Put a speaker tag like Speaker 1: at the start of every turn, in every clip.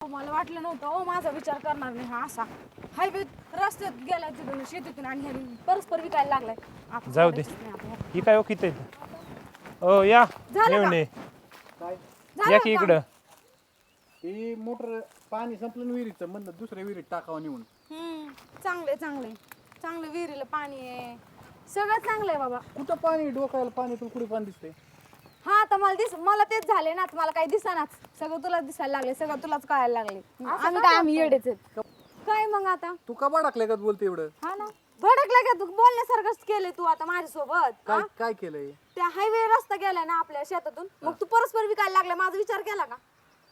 Speaker 1: मला वाटलं नव्हतं ओ माझा विचार करणार नाही हा असा हायवे रस्त्यात गेला तिथून शेतीतून आणि ह्याने परस्पर विकायला लागलाय. आता
Speaker 2: जाऊ दे.
Speaker 1: सोडायचंच नाही आपल्याला.
Speaker 2: ही काय ओळखीत आहे ओ या
Speaker 1: झालं
Speaker 2: येऊन
Speaker 1: का?
Speaker 2: ये.
Speaker 3: काय
Speaker 1: झालं
Speaker 2: या की
Speaker 1: का?
Speaker 2: इकडं.
Speaker 3: ही मोटर पाणी संपलं ना विहिरीचं म्हणलं दुसऱ्या विहिरीत टाकावं नेऊन.
Speaker 1: चांगले चांगले चांगले विहिरीला पाणी आहे सगळं चांगलं आहे बाबा.
Speaker 3: कुठं पाणी डोकायला पाणी तुला कुठे पाणी दिसते?
Speaker 1: हा तर मला तेच झाले ना मला काही दिसनाच सगळं तुलाच दिसायला लागले सगळं तुलाच कळायला लागले. आम्ही येडेच आहेत काय मग आता
Speaker 3: तू का बाडाकले का बोलते एवढं?
Speaker 1: हा ना भडकला का तू बोलण्यासारखंच केलंय तू आता माझ्यासोबत
Speaker 3: काय काय केलंय?
Speaker 1: त्या हायवे रस्ता गेलाय ना आपल्या शेतातून मग तू परस्पर विकायला लागला माझा विचार केला का?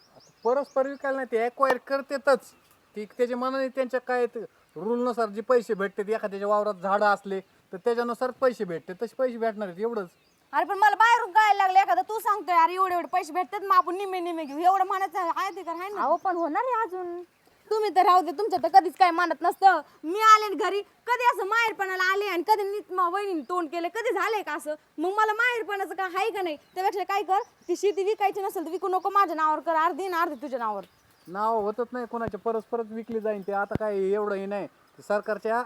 Speaker 3: परस्पर विकायला नाही ते एक्वायर करतेतच ती त्याच्या मनाने त्यांच्या काय रूलनुसार जे पैसे भेटतात एखाद्याच्या वावरात झाडं असले तर त्याच्यानुसार पैसे भेटते तसे पैसे भेटणार आहेत एवढंच.
Speaker 1: अरे पण मला बाहेरून कळायला लागले एखादा तू सांगतोय अरे एवढे एवढे पैसे भेटतात मग आपण निम्मे निम्मे घेऊ एवढं म्हणायचं आहे ते आहे ना.
Speaker 4: अहो पण होणार आहे अजून.
Speaker 1: तुम्ही तर राहू दे तुमच्या तर कधीच काय मानत नसतं. मी आले न घरी कधी असं माहेरपणाला आले आणि कधी वहिनी तोंड केले कधी झालंय का असं मग मला माहेरपणाचं काय आहे का नाही त्यापेक्षा काय कर ती शेती विकायची नसेल तर विकू नको माझ्या नावावर कर अर्धी ना अर्धी तुझ्या नावावर.
Speaker 3: नाव होतच नाही कोणाच्या परस्परच विकली जाईन ते आता काय एवढंही नाही ते सरकारच्या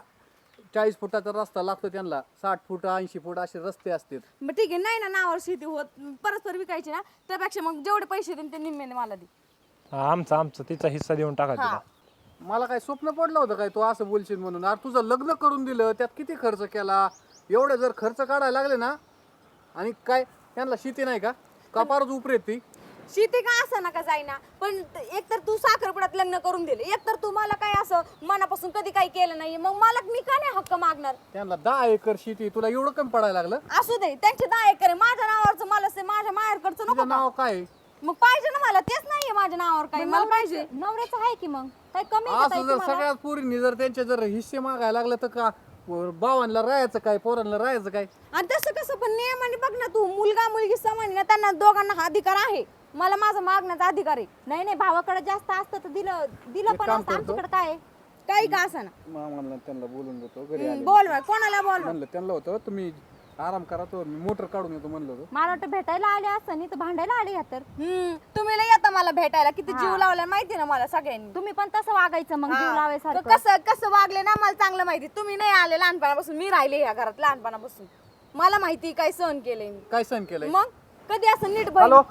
Speaker 3: 40 फुटाचा रस्ता लागतो त्यांना 60 फूट 80 फूट असे रस्ते असतात.
Speaker 1: मग ठीक आहे नाही ना नावावर शेती होत परस्पर विकायची ना त्यापेक्षा मग जेवढे पैसे देईन ते निम्म्याने मला दे.
Speaker 2: आमचा तिचा हिस्सा देऊन टाका तिला.
Speaker 3: मला काय स्वप्न पडलं होतं काय तू असं बोलशील म्हणून? अरे तुझं लग्न करून दिलं त्यात किती खर्च केला एवढे जर खर्च काढायला लागले ना आणि काय त्यांना शेती नाही का कपारच उपरेत ती
Speaker 1: शेती का असं नका जाईना पण एकतर तू साखरपुड्यात लग्न करून दिले एकतर तू मला काय असं मनापासून कधी काही केलं नाही मग मला मी का नाही हक्क मागणार.
Speaker 3: त्यांना 10 एकर शेती तुला एवढं कमी पडायला लागलं?
Speaker 1: असू दे त्यांचे 10 एकर आहे माझ्या नावावरचं मला माझ्या माहेरकडचं नको
Speaker 3: तुझं
Speaker 1: का?
Speaker 3: नाव काय आहे?
Speaker 1: मग पाहिजे ना मला तेच नाहीये माझ्या नावावर काही मला पाहिजे.
Speaker 4: नवऱ्याचं आहे की मग काय कमी आहे का
Speaker 3: असं
Speaker 4: ताई
Speaker 3: जर
Speaker 4: तुम्हाला?
Speaker 3: सगळ्यात पोरींनी जर त्यांचे जर हिस्से मागायला लागले तर का भावांना राहायचं काय पोरांना राहायचं काय?
Speaker 1: आणि तसं कसं पण नियमाने बघ ना तू मुलगा मुलगी समान आहे ना त्यांना दोघांना हा अधिकार आहे मला माझा मागण्याचा अधिकार आहे.
Speaker 4: नाही नाही भावाकडे जास्त असतं तर दिलं पण
Speaker 3: काम
Speaker 4: असतं
Speaker 3: करतो.
Speaker 4: आमच्याकडे काय आहे?
Speaker 1: काही का असं ना
Speaker 3: मामाला त्यांना बोलून देतो घरी आले
Speaker 1: बोलवा कोणाला बोलवा.
Speaker 3: म्हणलं त्यांना होतं तुम्ही आराम करा तो मी मोटर काढून येतो म्हणलं होतं.
Speaker 4: मला वाटतं भेटायला आले असतं नाही तर भांडायला आले ह्या तर.
Speaker 1: तुम्ही लय येता मला भेटायला किती जीव लावलाय माहिती ना मला सगळ्यांनी.
Speaker 4: तुम्ही पण तसं वागायचं मग जीव
Speaker 1: तर
Speaker 4: लावायसारखं.
Speaker 1: कसं कसं वागले ना मला चांगलं माहिती. तुम्ही नाही आले लहानपणापासून मी राहिले या घरात लहानपणापासून मला माहिती काय सहन केलंय मी.
Speaker 3: काय सहन केलंय?
Speaker 1: मग कधी असं नीट
Speaker 3: हॅलो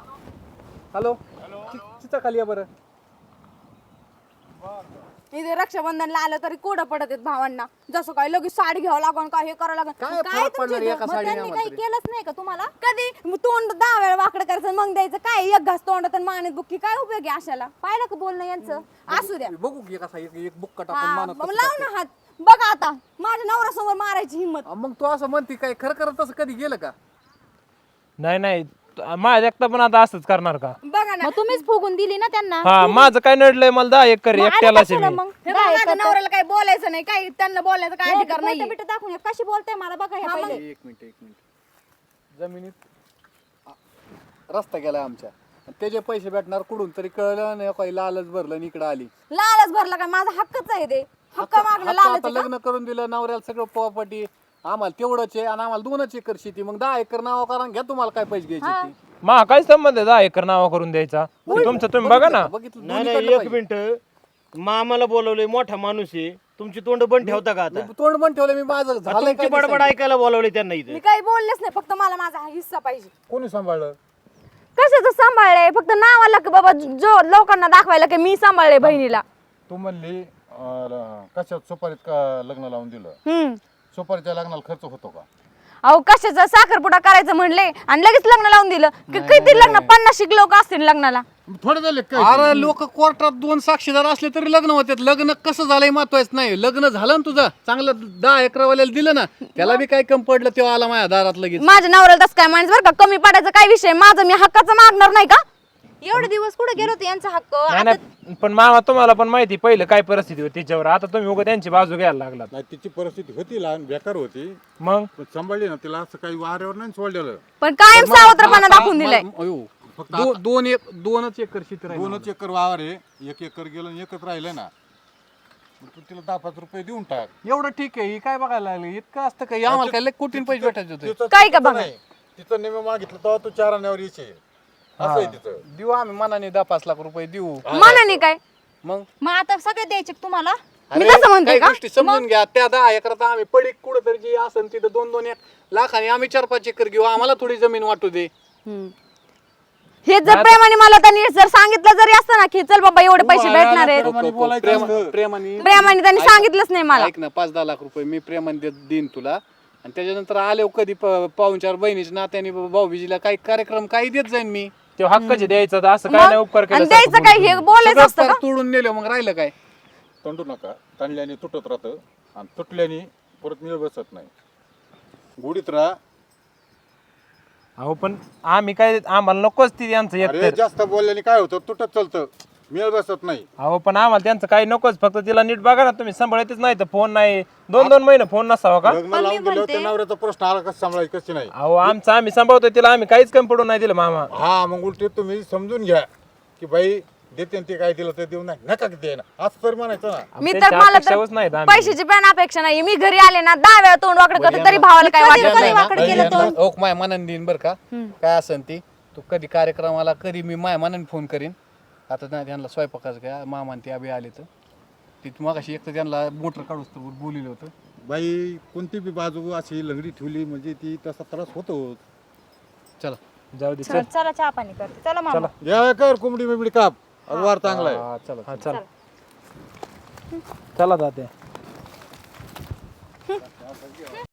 Speaker 3: हॅलो चिचा खाली या बरं.
Speaker 1: इथे रक्षाबंधनला आलं तरी कोडं पडत आहेत भावांना जसं काय लगेच साडी घ्यावं लागन काय हे करावं लागन
Speaker 3: काय
Speaker 1: काय
Speaker 3: फरक पडणार एका
Speaker 4: मग
Speaker 3: साडीने
Speaker 4: त्यांनी काही
Speaker 3: आम्हाला?
Speaker 4: केलंच नाही का तुम्हाला?
Speaker 1: कधी तोंड 10 वेळा वाकडं करायचं मग द्यायचं काय एक घास तोंडात आणि मानेत बुक्की काय उपयोग आहे अशाला.
Speaker 4: पाहिलं का बोलणं यांचं?
Speaker 1: असू द्या
Speaker 3: बघू की कसा एक बुक्का टाकून
Speaker 1: हा,
Speaker 3: मानत
Speaker 1: मग
Speaker 3: कसं
Speaker 1: लाव
Speaker 3: टाकते.
Speaker 1: ना हात बघा आता माझ्या नवऱ्यासमोर मारायची हिंमत.
Speaker 3: मग तू असं म्हणते काय खरं करत तसं कधी गेलं का?
Speaker 2: नाही माझ्या एकटा पण आता असंच करणार का?
Speaker 1: बघा ना
Speaker 4: मग तुम्हीच फुगून दिली ना त्यांना.
Speaker 2: हा माझं काय नडलंय मला 10 एकर
Speaker 4: मग आले
Speaker 2: एकट्यालाच
Speaker 4: कशाला
Speaker 2: आहे मी.
Speaker 4: मग?
Speaker 1: हे बघा, माझ्या नवऱ्याला काही बोलायचं नाही काही त्यांना बोलायचं काय अधिकार नाही.
Speaker 4: बिट दाखवून कशी बोलताय मला बघा हे पहिले.
Speaker 3: एक मिनिट जमिनीत रस्ता गेला आमच्या आणि त्याचे पैसे भेटणार कुठून तरी कळलं नाही काही लालच भरलं आणि इकडं आली.
Speaker 1: लालच भरला का माझा हक्कच आहे ते हक्क मागणं
Speaker 3: आता
Speaker 1: लालच आहे का?
Speaker 3: लग्न करून दिलं नवऱ्याला सगळं प्रॉपर्टी आम्हाला तेवढंच आहे आणि आम्हाला 2 एकर शेती मग 10 एकर नाव करा घ्या तुम्हाला काय पैसे घ्यायचे ते.
Speaker 2: मा काय संबंध आहे 10 एकर नावा करून द्यायचा? ते तुमचं तुम्ही बघा ना.
Speaker 3: बघितलं
Speaker 5: नाही
Speaker 3: दोन्हीकडलं
Speaker 5: नाही एक
Speaker 3: पाहिजे.
Speaker 5: मिनिट मामाला बोलवलंय मोठा माणूस आहे तुमची तोंड बंद ठेवता का आता?
Speaker 3: मी तोंड पण ठेवलं मी माझं झालंय
Speaker 5: तुमची
Speaker 3: काय ते
Speaker 5: बडबड
Speaker 3: सांग.
Speaker 5: ऐकायला बोलवले त्यांना इथे.
Speaker 1: मी काही बोललेच नाही फक्त मला माझा हिस्सा पाहिजे.
Speaker 3: कोणी सांभाळलं?
Speaker 1: कशाचं सांभाळलंय फक्त नावाला की बाबा जो लोकांना दाखवायला की मी सांभाळले बहिणीला.
Speaker 6: तू म्हणली कशात सुपारीत का लग्न लावून दिलं? सुपारीच्या लग्नाला खर्च होतो का?
Speaker 1: अहो कशाचं साखरपुडा करायचं म्हणले आणि लगेच लग्न लावून दिलं किती लग्न 50 लोक असतील लग्नाला.
Speaker 6: थोडे झाले काय?
Speaker 3: अरे लोक कोर्टात 2 साक्षीदार असले तरी लग्न होते. लग्न कसं झालंय महत्वाचं नाही. लग्न झालं ना तुझं चांगलं 10 एकरवाल्याला दिलं ना त्याला बी काय कमी पडलं तेव्हा आला माझ्या दारात लगेच.
Speaker 1: माझ्या नवऱ्याला तसं काय माणूस बरं का कमी पडायचं काय विषय माझं मी हक्काचं मागणार नाही का.
Speaker 4: एवढे दिवस कुठे गेलो होते यांचा हक्क?
Speaker 2: नाही पण मामा तुम्हाला पण माहिती पहिलं काय परिस्थिती होती तिच्यावर. आता तुम्ही उगा त्यांची बाजू घ्यायला लागलात.
Speaker 6: नाही तिची परिस्थिती होती लहान बेकार होती
Speaker 2: मग
Speaker 6: पण सांभाळली ना तिला असं काही वाऱ्यावर नाही सोडलेलं.
Speaker 1: पण कायम सावत्रपणा दाखवून दिलाय.
Speaker 6: फक्त
Speaker 3: 2 एकर शेती राहिली.
Speaker 6: 2 एकर वावर आहे 1 एकर गेलं आणि 1च राहिलं ना मग तू तिला 10-5 रुपये देऊन टाक.
Speaker 3: एवढं ठीक आहे. ही काय बघायला लागली इतकं असतं का? आम्हाला काय लय कोटीन पैसे भेटायचे होते.
Speaker 6: तिचं
Speaker 1: काय का
Speaker 6: चुकीचं
Speaker 1: बघा?
Speaker 6: नाही. तिचं नेहमी मागितलं तेव्हा तू 4 आण्यावर यायचे असं आहे तिचं.
Speaker 3: देऊ आम्ही मनाने 10-5 लाख रुपये देऊ.
Speaker 1: मनाने काय
Speaker 4: मग आता सगळे द्यायचे का तुम्हाला?
Speaker 1: मी तसं म्हणते
Speaker 3: काही
Speaker 1: का?
Speaker 3: गोष्टी समजून घ्या. त्या 10 एकरात आम्ही पडीक कुठं तरी जी असेल तिथं 2-2 लाखांनी आम्ही 4-5 एकर घेऊ. आम्हाला थोडी जमीन वाटू दे.
Speaker 1: हे जर प्रेमाने मला त्यांनी जर सांगितलं जरी असतं ना की चल बाबा एवढे पैसे भेटणार आहेत, प्रेमाने त्यांनी सांगितलंच नाही मला.
Speaker 3: ऐक ना, 5-10 लाख रुपये मी प्रेमाने देईन तुला, आणि त्याच्यानंतर आले कधी पाहुणचार बहिणीच्या नात्याने भाऊबीजीला काही कार्यक्रम काही देत जाईन मी.
Speaker 2: ते हक्काचे द्यायचं तर असं काय नाही उपकार
Speaker 1: आणि
Speaker 2: केला
Speaker 1: द्यायचं काय हे बोलायचं असतं का?
Speaker 3: तोडून नेलं मग राहिलं काय?
Speaker 6: तंडू नका. ताणल्याने तुटत राहतं आणि तुटल्याने परत मिळ बसत नाही. गुढीत राहा.
Speaker 2: अहो पण आम्ही काय आम्हाला नकोच ती त्यांचं
Speaker 6: अरे
Speaker 2: एकतर.
Speaker 6: जास्त बोलल्याने काय होतं, तुटत चालतं, मिळ बसत नाही.
Speaker 2: अहो पण आम्हाला त्यांचं काही नकोच, फक्त तिला नीट बघा ना तुम्ही, सांभाळतच नाही तर फोन नाही 2-2 महिने फोन नसावा का?
Speaker 6: लग्न लावून दिलं त्या नवऱ्याचा प्रश्न आला कसं सांभाळायचं कशी नाही.
Speaker 2: अहो आमचं आम्ही सांभाळतोय तिला, आम्ही काहीच कमी पडून नाही दिलं मामा.
Speaker 6: हा मग उलटे तुम्ही समजून घ्या की बाई देते ते काय दिलं तर देऊ नाही नका दे ना, असं तर म्हणायचं ना.
Speaker 1: मी तर
Speaker 2: त्यांच्या
Speaker 1: मला
Speaker 2: अपेक्षाच
Speaker 1: तर
Speaker 2: नाहीत आम्ही.
Speaker 1: पैशाची पण अपेक्षा नाही. मी घरी आले ना 10 वेळा तोंड वाकडं करते तरी भावाला काय वाटत नाही.
Speaker 4: वाकडं केलं तर
Speaker 3: ओक माय मनाने देईन बरं का, काय असेल ती. तू कधी कार्यक्रमाला कधी मी माय मनाने फोन करीन. आता नाही त्यांना स्वयंपाकाचं काय मामा ते आबी आले तर ती मगाशी एक तर त्यांना मोटर काढूच तर बोलिलं होतं.
Speaker 6: बाई कोणती बी बाजू अशी लंगडी ठेवली म्हणजे ती तसा त्रास होतो.
Speaker 3: चला
Speaker 2: जाऊ दे चल.
Speaker 4: चल, चला चहा पाणी करते. चला मामा.
Speaker 6: या कर कोंबडी बिबडी काप, वार चांगला आहे.
Speaker 2: हा, चला हा, चला चला जाते.